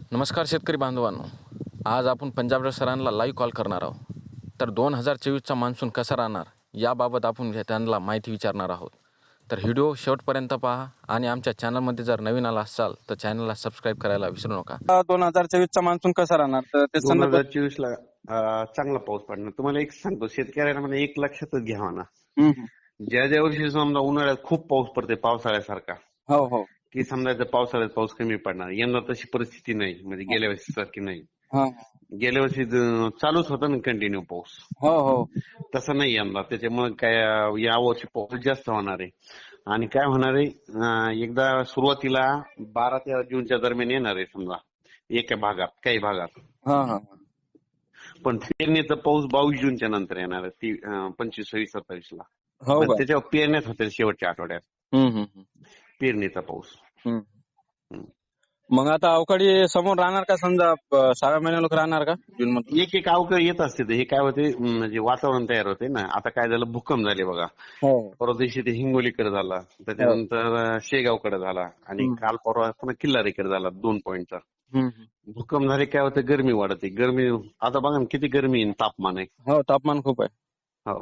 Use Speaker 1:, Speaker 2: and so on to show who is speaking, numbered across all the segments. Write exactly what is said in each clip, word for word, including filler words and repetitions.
Speaker 1: नमस्कार शेतकरी बांधवांनो, आज आपण पंजाबराव सरांना लाईव्ह कॉल करणार आहोत. तर दोन हजार चोवीसचा मान्सून कसा राहणार याबाबत आपण त्यांना माहिती विचारणार आहोत. तर व्हिडिओ शेवटपर्यंत पहा आणि आमच्या चॅनलमध्ये जर नवीन आला असाल तर चॅनलला सबस्क्राईब करायला विसरू नका.
Speaker 2: दोन हजार चोवीसचा मान्सून कसा राहणार तर ते
Speaker 3: दोन
Speaker 2: संदर्भात
Speaker 3: हजार चोवीस ला अं, चांगला पाऊस पडणार. तुम्हाला एक सांगतो, शेतकऱ्यांना म्हणजे एक लक्षातच घ्यावा ना,
Speaker 2: हम्म, हम्म.
Speaker 3: ज्या ज्या वर्षी समजा उन्हाळ्यात खूप पाऊस पडते पावसाळ्यासारखा,
Speaker 2: हो हो
Speaker 3: की समजायचं पावसाळ्यात पाऊस कमी पडणार. यंदा तशी परिस्थिती नाही, म्हणजे गेल्या वर्षी सारखी नाही.
Speaker 2: हा,
Speaker 3: गेल्या वर्षी ज- चालूच होता ना कंटिन्यू पाऊस,
Speaker 2: हो हो
Speaker 3: तसं नाही यंदा. त्याच्यामुळे काय अं, या वर्षी पाऊस जास्त होणार आहे. आणि काय होणार आहे, अं, एकदा सुरुवातीला बारा ते जूनच्या दरम्यान येणार आहे समजा एका भागात, काही भागात.
Speaker 2: हा हा
Speaker 3: पण पेरणीचा पाऊस बावीस जूनच्या नंतर येणार आहे, ती अं, पंचवीस सव्वीस सत्तावीस ला.
Speaker 2: हो
Speaker 3: मग
Speaker 2: का
Speaker 3: त्याच्यावर पेरण्यात होतील शेवटच्या आठवड्यात
Speaker 2: हम्म, हम्म, हम्म.
Speaker 3: पेरणीचा पाऊस.
Speaker 2: हम्म.
Speaker 3: हम्म.
Speaker 2: मग आता अवकाळी समोर राहणार का समजा प- सहाव्या महिन्या लोक राहणार का जून मध्ये
Speaker 3: एक एक अवकाळी येत असते ते. हे काय होते, अं, म्हणजे वातावरण तयार होते ना. आता काय झालं, भूकंप झाले बघा.
Speaker 2: हो
Speaker 3: परवा दिवशी ते हिंगोलीकडे झाला, त्याच्यानंतर अं, शेगावकडे झाला, आणि
Speaker 2: हम्म.
Speaker 3: काल परवा पुन्हा किल्लारीकडे झाला दोन पॉईंटचा.
Speaker 2: हम्म, हम्म.
Speaker 3: भूकंप झाले काय होतं, गरमी वाढते. गरमी आता बघा ना किती गरमी आहे, तापमान आहे.
Speaker 2: हो तापमान खूप आहे
Speaker 3: हो,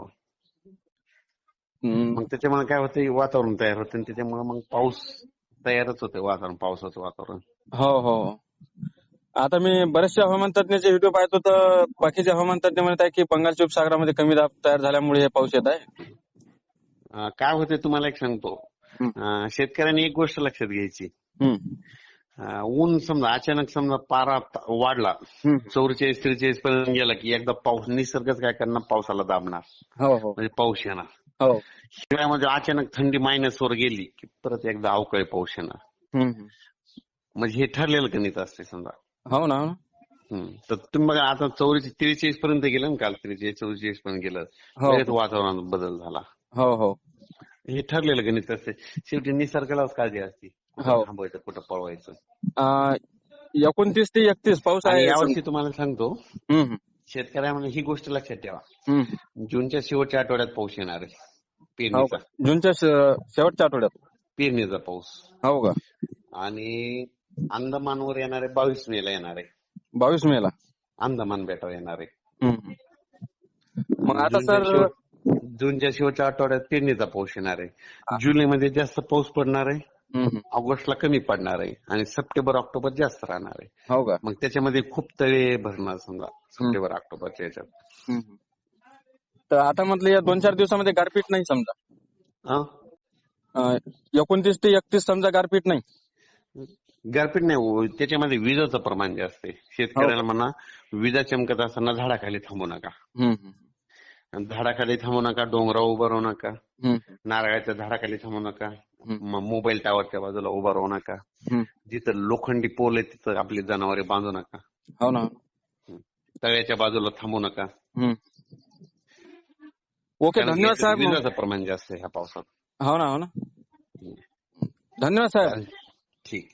Speaker 2: हम्म.
Speaker 3: मग त्याच्यामुळे काय होतं, वातावरण तयार होतं, आणि त्याच्यामुळे मग पाऊस तयारच होते, वातावरण, पावसाचं वातावरण.
Speaker 2: हो हो आता मी बरेचसे हवामान तज्ञाचे व्हिडिओ पाहतो तर बाकीचे हवामान तज्ञ म्हणत आहे की बंगालच्या उपसागरामध्ये कमी दाब तयार झाल्यामुळे हे पाऊस येत आहे.
Speaker 3: अं, काय होते तुम्हाला एक सांगतो,
Speaker 2: हम्म.
Speaker 3: अं, शेतकऱ्यांनी एक गोष्ट लक्षात घ्यायची.
Speaker 2: हम्म.
Speaker 3: अं, ऊन समजा अचानक समजा पारा त- वाढला,
Speaker 2: हम्म.
Speaker 3: चौवेचाळीस त्रेचाळीस पर्यंत गेला की एकदा पाऊस, निसर्गच काय करणार, पावसाला दाबणार,
Speaker 2: हो हो
Speaker 3: म्हणजे पाऊस येणार.
Speaker 2: हो
Speaker 3: हिवाळ्यामध्ये अचानक थंडी मायनस वर गेली की परत एकदा अवकाळी पाऊस येणार.
Speaker 2: हम्म, हम्म.
Speaker 3: म्हणजे हे ठरलेलं गणित असते समजा.
Speaker 2: हो ना हो ना.
Speaker 3: हम्म. तर तुम्ही बघा आता चौवेचाळीस त्रेचाळीस पर्यंत गेलं ना, काल त्रेचाळीस चौवेचाळीस पर्यंत गेलं,
Speaker 2: हो
Speaker 3: लगेच वातावरणात बदल झाला.
Speaker 2: हो हो
Speaker 3: हे ठरलेलं गणित असते. शेवटी निसर्गालाच काळजी असते, कुठं
Speaker 2: हो
Speaker 3: थांबवायचं, कुठं पळवायचं.
Speaker 2: अं, एकोणतीस ते एकतीस पाऊस
Speaker 3: आणि
Speaker 2: आहे
Speaker 3: यावर्षी
Speaker 2: समजा.
Speaker 3: तुम्हाला सांगतो,
Speaker 2: हम्म, हम्म.
Speaker 3: शेतकऱ्यांना ही गोष्ट लक्षात ठेवा,
Speaker 2: हम्म.
Speaker 3: जूनच्या शेवटच्या आठवड्यात पाऊस येणार आहे,
Speaker 2: हो
Speaker 3: पेरणीचा
Speaker 2: का जूनच्या शे- शेवटच्या आठवड्यात
Speaker 3: पेरणीचा पाऊस.
Speaker 2: हो का
Speaker 3: आणि अंदमानवर येणार आहे, बावीस मे ला येणार आहे,
Speaker 2: बावीस मे ला
Speaker 3: अंदमान बेटावर येणार आहे.
Speaker 2: हम्म. मग आता
Speaker 3: जूनच्या
Speaker 2: सर
Speaker 3: शेवट जूनच्या शेवटच्या आठवड्यात पेरणीचा पाऊस येणार आहे. जुलैमध्ये जास्त पाऊस पडणार आहे,
Speaker 2: हम्म.
Speaker 3: ऑगस्टला कमी पडणार आहे, आणि सप्टेंबर ऑक्टोबर जास्त राहणार आहे.
Speaker 2: हो का
Speaker 3: मग त्याच्यामध्ये खूप तळे भरणार समजा सप्टेंबर ऑक्टोबरच्या याच्यात.
Speaker 2: हम्म. तर आता म्हटलं या दोन चार दिवसामध्ये गारपीट नाही समजा
Speaker 3: हा?
Speaker 2: अं, एकोणतीस ते एकतीस समजा गारपीट नाही.
Speaker 3: गारपीट नाही हो, त्याच्यामध्ये विजाचं प्रमाण जास्त आहे. शेतकऱ्याला म्हणा, विजा चमकत असताना झाडाखाली थांबू नका.
Speaker 2: हम्म.
Speaker 3: आणि झाडाखाली थांबू नका, डोंगरावर उभं राहू नका,
Speaker 2: हम्म.
Speaker 3: नारळाच्या झाडाखाली थांबू नका,
Speaker 2: हम्म.
Speaker 3: म- मोबाईल टॉवरच्या बाजूला उभं राहू नका,
Speaker 2: हम्म.
Speaker 3: जिथं लोखंडी पोल आहे तिथं आपली जनावरे बांधू नका,
Speaker 2: हो ना
Speaker 3: तळ्याच्या बाजूला थांबू नका.
Speaker 2: हम्म. ओके
Speaker 3: कारण
Speaker 2: धन्यवाद
Speaker 3: याच्यात
Speaker 2: साहेब मग.
Speaker 3: विजाचं प्रमाण जास्त आहे ह्या पावसात.
Speaker 2: हो ना हो ना धन्यवाद साहेब.